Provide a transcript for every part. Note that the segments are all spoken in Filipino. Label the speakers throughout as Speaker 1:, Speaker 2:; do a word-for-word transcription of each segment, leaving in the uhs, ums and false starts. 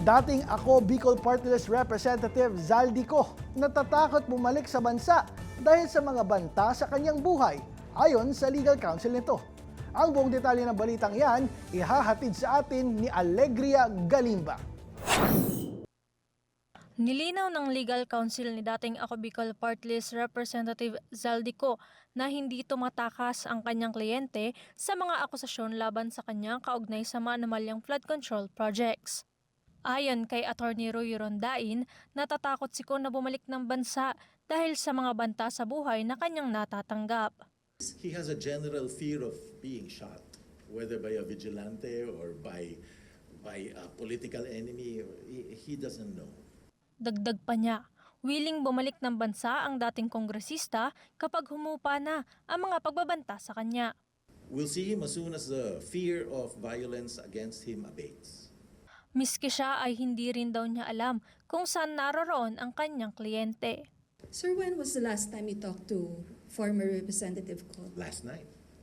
Speaker 1: Dating ako Bicol Party List Representative Zaldico natatakot bumalik sa bansa dahil sa mga banta sa kanyang buhay, ayon sa legal counsel nito. Ang buong detalye ng balitang yan, ihahatid sa atin ni Alegria Galimba.
Speaker 2: Nilinaw ng legal counsel ni dating Ako Bicol Party List Representative Zaldico na hindi tumatakas ang kanyang kliyente sa mga akusasyon laban sa kanya kaugnay sa mga anomalyang flood control projects. Ayon kay Attorney Roy Rondain, natatakot si Ko na bumalik ng bansa dahil sa mga banta sa buhay na kanyang natatanggap.
Speaker 3: He has a general fear of being shot, whether by a vigilante or by, by a political enemy. He, he doesn't know.
Speaker 2: Dagdag pa niya, willing bumalik ng bansa ang dating kongresista kapag humupa na ang mga pagbabanta sa kanya.
Speaker 3: We'll see him as soon as the fear of violence against him abates.
Speaker 2: Miski siya ay hindi rin daw niya alam kung saan naroroon ang kanyang kliyente.
Speaker 4: Sir, when was the last time you talked to former Representative Ko?
Speaker 3: Last night.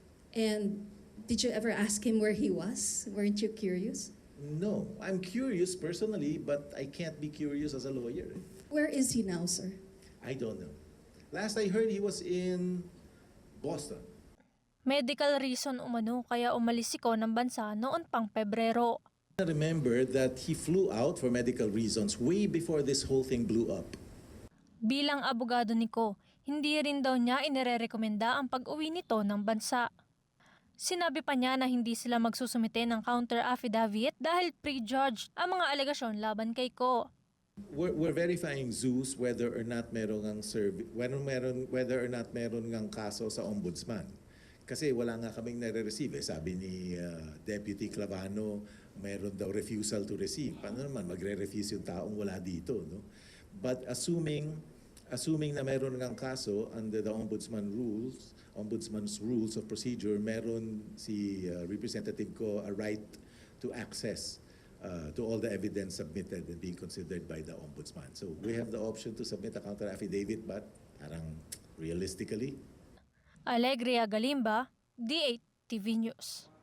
Speaker 4: And did you ever ask him where he was? Weren't you curious?
Speaker 3: No, I'm curious personally, but I can't be curious as a lawyer.
Speaker 4: Where is he now, sir?
Speaker 3: I don't know. Last I heard, he was in Boston.
Speaker 2: Medical reason umano kaya umalis si Ko ng bansa noon pang Pebrero.
Speaker 3: I remember that he flew out for medical reasons way before this whole thing blew up.
Speaker 2: Bilang abogado ni Ko, hindi rin daw niya inirerekomenda ang pag-uwi nito ng bansa. Sinabi pa niya na hindi sila magsusumite ng counter affidavit dahil prejudged ang mga alegasyon laban kay Ko.
Speaker 3: We're, we're verifying Zeus whether or not meron ngang serv- whether meron whether or not meron ngang kaso sa ombudsman. Kasi wala nga kaming nare-receive. Eh. Sabi ni uh, Deputy Clavano, meron daw refusal to receive. Paano naman magre-refuse yung taong wala dito, no? But assuming assuming na meron ngang kaso under the ombudsman rules, ombudsman's rules of procedure, meron si uh, representative ko a right to access uh, to all the evidence submitted and being considered by the ombudsman. So we have the option to submit a counter affidavit, but parang realistically,
Speaker 2: Alegria Galimba, D eight T V News.